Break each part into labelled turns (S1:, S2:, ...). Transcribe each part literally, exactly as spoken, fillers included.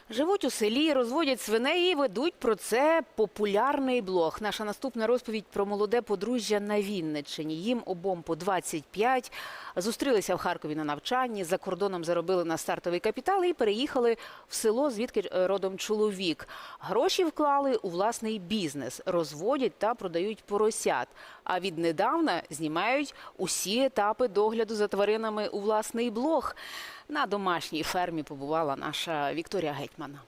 S1: Живуть у селі, розводять свиней і ведуть про це популярний блог. Наша наступна розповідь про молоде подружжя на Вінниччині. Їм обом по двадцять п'ять. Зустрілися в Харкові на навчанні, за кордоном заробили на стартовий капітал і переїхали в село, звідки родом чоловік. Гроші вклали у власний бізнес, розводять та продають поросят. А віднедавна знімають усі етапи догляду за тваринами у власний блог. На домашній фермі побувала наша Вікторія Гетьман.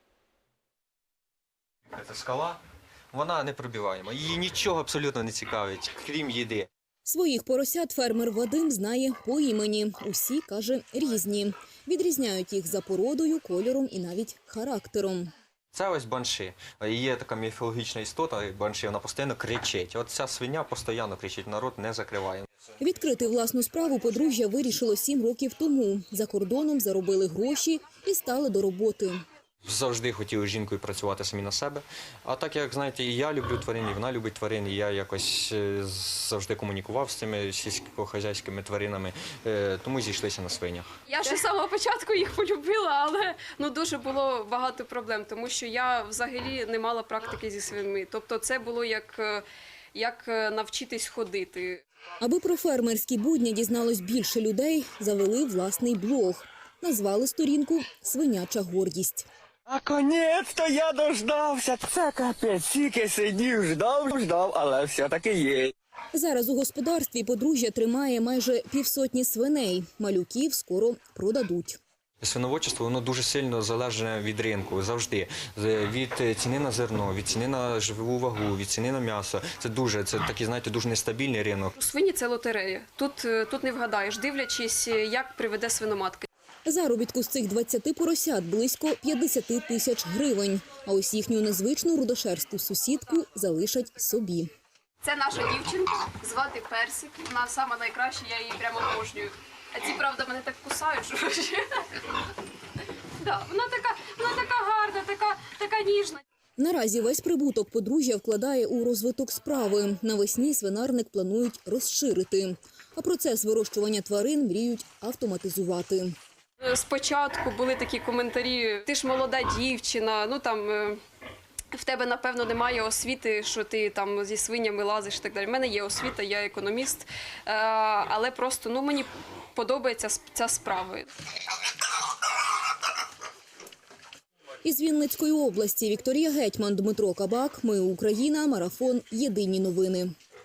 S2: Це скала, вона непробиваєма, її нічого абсолютно не цікавить, крім їди.
S3: Своїх поросят фермер Вадим знає по імені. Усі, каже, різні. Відрізняють їх за породою, кольором і навіть характером.
S2: Це ось банши. Є така міфологічна істота, банши, вона постійно кричить. От ця свиня постійно кричить, народ не закриває.
S3: Відкрити власну справу подружжя вирішило сім років тому. За кордоном заробили гроші і стали до роботи.
S2: Завжди хотіли з жінкою працювати самі на себе. А так, як, знаєте, і я люблю тварин, і вона любить тварин, і я якось завжди комунікував з цими сільськохозяйськими тваринами, тому зійшлися на свинях.
S4: Я ще з самого початку їх полюбила, але ну, дуже було багато проблем, тому що я взагалі не мала практики зі свиньми. Тобто це було як, як навчитись ходити.
S3: Аби про фермерські будні дізналось більше людей, завели власний блог. Назвали сторінку «Свиняча гордість».
S5: Наконець-то я дождався. Це капець, тільки сидів, ждав, ждав, але все-таки є.
S3: Зараз у господарстві подружжя тримає майже півсотні свиней. Малюків скоро продадуть.
S2: Свиноводчество, воно дуже сильно залежить від ринку, завжди. Від ціни на зерно, від ціни на живу вагу, від ціни на м'ясо. Це дуже, це такий, знаєте, дуже нестабільний ринок.
S4: Свині – це лотерея. Тут, тут не вгадаєш, дивлячись, як приведе свиноматка.
S3: Заробітку з цих двадцяти поросят близько п'ятдесят тисяч гривень. А ось їхню незвичну рудошерсту сусідку залишать собі.
S4: Це наша дівчинка, звати Персик. Вона сама найкраща, я її прямо обожнюю. А ці, правда, мене так кусають, що да, вона така, вона така гарна, така, така ніжна.
S3: Наразі весь прибуток подружжя вкладає у розвиток справи. Навесні свинарник планують розширити. А процес вирощування тварин мріють автоматизувати.
S4: Спочатку були такі коментарі: ти ж молода дівчина, ну там в тебе, напевно, немає освіти, що ти там зі свинями лазиш і так далі. У мене є освіта, я економіст, але просто ну, мені подобається ця справа.
S3: Із Вінницької області Вікторія Гетьман, Дмитро Кабак. Ми Україна. Марафон. Єдині новини.